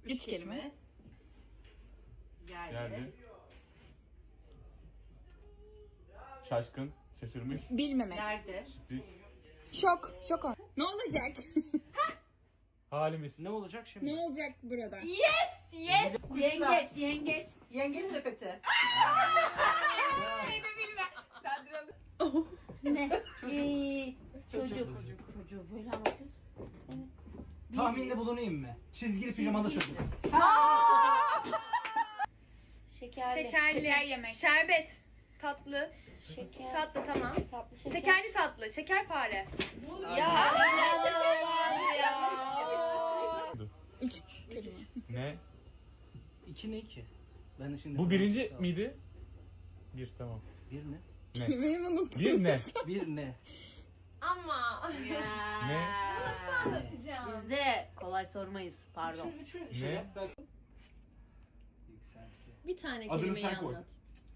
Üç kelime. Geldi. Şaşkın, şaşırmış, Bilmemek. Nerede? sürpriz. Şok. Şok ol. Ne olacak? Halimiz. Ne olacak şimdi? Ne olacak burada? Yengeç, yengeç. Yengeç sepeti. Ne? Çocuk. Çocuğu böyle anlatıyorsun. Tahminde bulunayım mı? Çizgili pijamalı çocuk. Şekerli. Şeker yemek. Şerbet. Tatlı. Şeker. Tatlı tamam. Tatlı şeker. Şekerli tatlı. Şekerpare. Üç kelime. Ne? 2 ne 2? Ben de şimdi... Bu birinci miydi? Bir, tamam. Bir ne? Kelimeyi mi unuttun? Bir ne? Bir ne? Ama. Ne? Biz de kolay sormayız. Pardon. Üçü Ne? yap ben. Yükseltti. Bir tane Adını kelimeyi sen koy. anlat.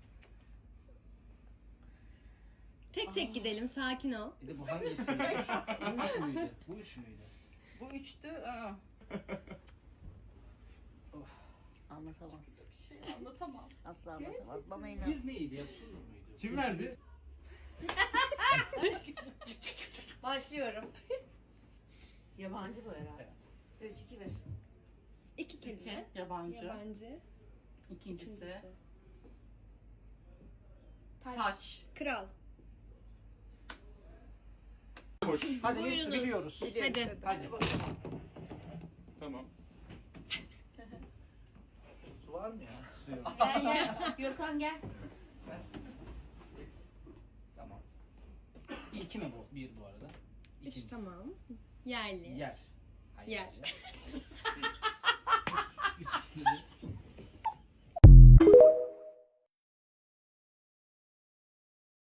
Tek tek gidelim, sakin ol. Bir de bu hangisi? Bu üç müydü? Bu üç müydü? Bu üçtü. Aa, Anlatamaz. bir şey anlatamam. Asla anlatamaz. Bana inan. Bir neydi? Yapsın mıydı? Kim verdi? Başlıyorum. Yabancı bu herhalde. 3, 2, 1. İki kelime. Yabancı. Yabancı. İkincisi. Taç. Taç. Kral. Hoş. Hadi Buyurunuz. üstü biliyoruz. Hadi. Hadi. Tamam. Su var mı ya? Su yok. Gel gel. Gökhan gel. Tamam. İlki mi bu? Bir bu arada. Üç İkincisi. tamam. Yerli. Yer. Hayır. Yer.